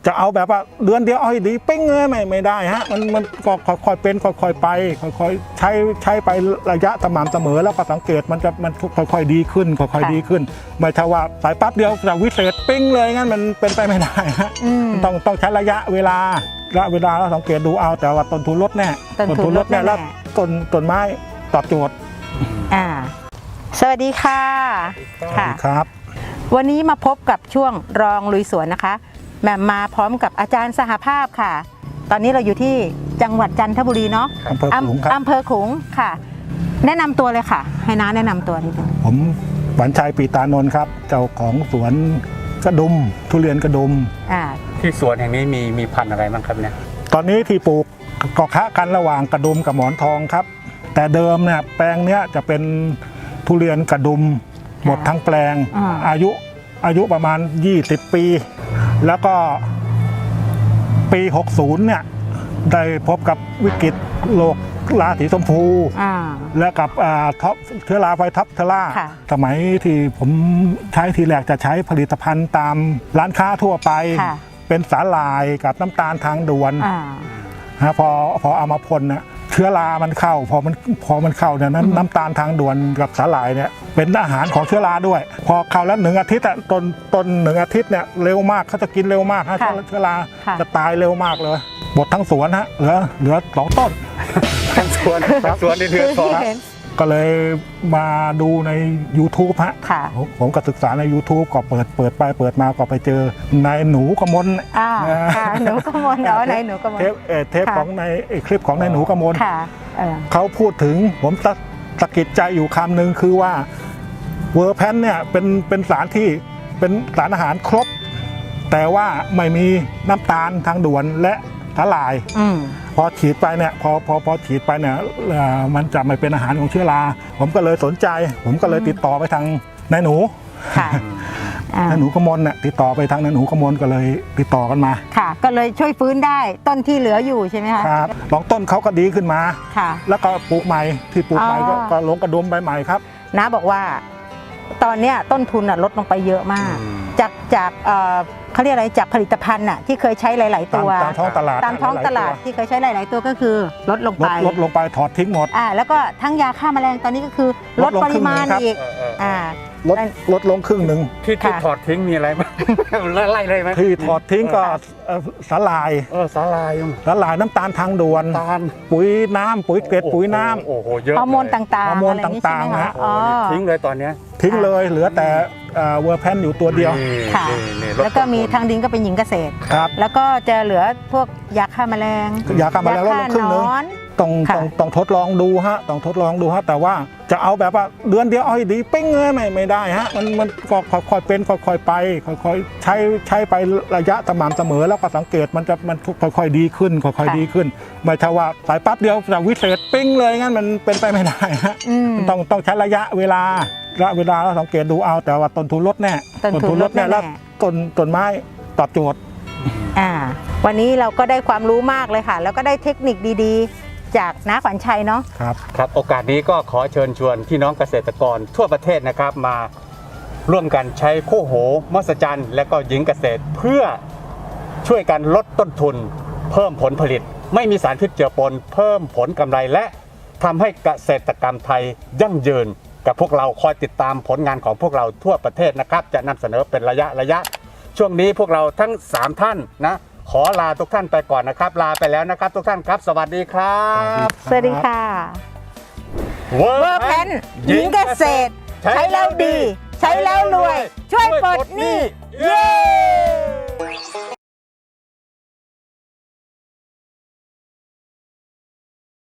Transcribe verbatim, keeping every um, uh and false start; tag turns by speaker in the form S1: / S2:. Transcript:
S1: จะเอาแบบว่าเดือนเดียวเอาให้ดีเป้งเลยไม่ไม่ได้ฮะมันมันก็ค่อยๆเป็นค่อยๆไปค่อยๆใช้ใช้ไประยะสม่ำเสมอแล้วก็สังเกตมันจะมันค่อยๆดีขึ้นค่อยๆดีขึ้นไม่ใช่ว่าสายปั๊บเดียวจะวิเศษปิ้งเลยงั้นมันเป็นไปไม่ได้ฮะต้องต้องใช้ระยะเวลาระยะเวลาแล้วสังเกตดูเอาแต่ว่าต้นทุนลดแน่ต้นทุนลดแน่แล้วต้นต้นไม้ตอบโจทย์
S2: อ่าสวัสดีค่ะ
S1: ค่ะครับ
S2: วันนี้มาพบกับช่วงรองลุยสวนนะคะแหม่มมาพร้อมกับอาจารย์สหภาพค่ะตอนนี้เราอยู่ที่จังหวัดจันทบุรีเนาะ
S1: อำเภอขลุงครับ
S2: อำเภอขลุงค่ะแนะนำตัวเลยค่ะให้น้าแนะนำตัวนิดนึง
S1: ผมหวานชัยปีตานนท์ครับเจ้าของสวนกระดุมทุเรียนกระดุม
S2: อ่า
S3: ที่สวนแห่งนี้มีมีพันธุ์อะไรบ้างครับเนี่ย
S1: ตอนนี้ที่ปลูกก็ค้ากันระหว่างกระดุมกับหมอนทองครับแต่เดิมเนี่ยแปลงเนี้ยจะเป็นทุเรียนกระดุมหมดทั้งแปลงอายุอายุประมาณยี่สิบปีแล้วก็ปีหกสิบเนี่ยได้พบกับวิกฤตโรคราสีชมพูและกับท็อปเชื้อราไฟท็อปเทล่าสมัยที่ผมใช้ทีแรกจะใช้ผลิตภัณฑ์ตามร้านค้าทั่วไปเป็นสาหร่ายกับน้ำตาลทางด่วนฮะพอพอเอามาพ่นเนี่ยเชื้อรามันเข้าพอมันพอมันเข้าเนี่ยนั้นน้ำตาลทางด่วนกับสาหร่ายเนี่ยเป็นอาหารของเชื้อราด้วยพอเข้าแล้วหนึ่งอาทิตย์อ่ะต้นต้นหนึ่งอาทิตย์เนี่ยเร็วมากเขาจะกินเร็วมากฮะเชื้อราจะตายเร็วมากเลยหมดทั้งสวนฮะเหลือเหลือสองต้น
S3: ทั้งสวนทั้งสวนในเดือนสอง
S1: ก็เลยมาดูใน ยูทูบ ฮะผมก็ศึกษาใน ยูทูบ ก็เปิดเปิดไปเปิดมาก็ไปเจอนายหนูกมล
S2: อ่าหนูกมลเนาะนายหนูกมล
S1: เทปเทปของในคลิปของนายหนูกมลเขาพูดถึงผมสะกิดใจอยู่คำหนึ่งคือว่าเวอร์แพนเนี่ยเป็นเป็นสารที่เป็นสารอาหารครบแต่ว่าไม่มีน้ำตาลทางด่วนและสาหร่ายพอฉีดไปเนี่ยพอพอพอฉีดไปเนี่ยมันจะไม่เป็นอาหารของเชื้อราผมก็เลยสนใจผมก็เลยติดต่อไปทางนายหนูนายหนูกมลเนี่ยติดต่อไปทางนายหนูกมลก็เลยติดต่อกันมา
S2: ค่ะก็เลยช่วยฟื้นได้ต้นที่เหลืออยู่ใช่ไหมคะ
S1: ครับสองต้นเขาก็ดีขึ้นมาค่ะแล้วก็ปลูกใหม่ที่ปลูกใหม่ก็ลงกระดุมใบใหม่ครับ
S2: น้าบอกว่าตอนเนี้ยต้นทุนลดลงไปเยอะมากจากจากเขาเรียกอะไรจากผลิตภัณฑ์น่ะที่เคยใช้หลายๆตัว
S1: ตามท้องตลาด
S2: ตามท้องตลาดที่เคยใช้หลายๆตัวก็คือลดลงไป
S1: ลดลงไปถอดทิ้งหมด
S2: อ่าแล้วก็ทั้งยาฆ่าแมลงตอนนี้ก็คือลดปริมาณอีกอ่า
S1: ลดลดลงครึ่งหนึ่ง
S3: ที่ที่ถอดทิ้งมีอะไรบ้างไล่เลยไหม
S1: ที่ถอดทิ้งก็สาหร่าย
S3: เออสาหร่าย
S1: สาหร่ายน้ำตาลทางด่วนปุ๋ยน้ำปุ๋ยเกล็ดปุ๋ยน้
S3: ำโอ้โหเยอะ
S2: ฮอร์โมนต่างๆ
S1: ฮอร์โมนต่างๆนะ
S3: ทิ้งเลยตอนนี้
S1: ทิ้งเลยเหลือแต่เวอร์แพนอยู่ตัวเดียว
S2: ค่ะแล้วก็มีทางดินก็เป็นหญิงเกษตร
S1: ครับ
S2: แล้วก็จะเหลือพวกยาฆ่าแมลง
S1: ยาฆ่าแมลงลดลงครึ่งนึงต้องต้องต้องทดลองดูฮะต้องทดลองดูฮะแต่ว่าจะเอาแบบว่าเดือนเดียวเอาให้ดีเป้งเลยไม่ไม่ได้ฮะมันมันก็ค่อยๆเป็นค่อยๆไปค่อยๆใช้ใช้ไประยะสม่ำเสมอแล้วก็สังเกตมันจะมันค่อยๆดีขึ้นค่อยๆดีขึ้นไม่ใช่ว่าสายปั๊บเดียวจะวิเศษปิ้งเลยงั้นมันเป็นไปไม่ได้ฮะต้องต้องใช้ระยะเวลาระยะเวลาเราสังเกตดูเอาแต่ว่าต้นทุนลดแน่
S2: ต้นทุนลดแน่
S1: แล้วต้นต้นไม้ตอบโจทย์
S2: อ่าวันนี้เราก็ได้ความรู้มากเลยค่ะแล้วก็ได้เทคนิคดีๆจากน้าขวัญชัยเนาะ
S1: ครับ
S3: ครับโอกาสนี้ก็ขอเชิญชวนพี่น้องเกษตรกรทั่วประเทศนะครับมาร่วมกันใช้คู่หูมหัศจรรย์และก็หญิงเกษตรเพื่อช่วยกันลดต้นทุนเพิ่มผลผลิตไม่มีสารพิษเจือปนเพิ่มผลกำไรและทำให้เกษตรกรรมไทยยั่งยืนกับพวกเราคอยติดตามผลงานของพวกเราทั่วประเทศนะครับจะนำเสนอเป็นระยะระยะช่วงนี้พวกเราทั้งสามท่านนะขอลาทุกท่านไปก่อนนะครับลาไปแล้วนะครับทุกท่านครับสวัสดีครับ
S2: สวัสดีค่ะ
S3: เวอร์แพน
S2: หญิงเกษตรใช้แล้วดีใช้แล้วรวยช่วยปลดหนี้เย้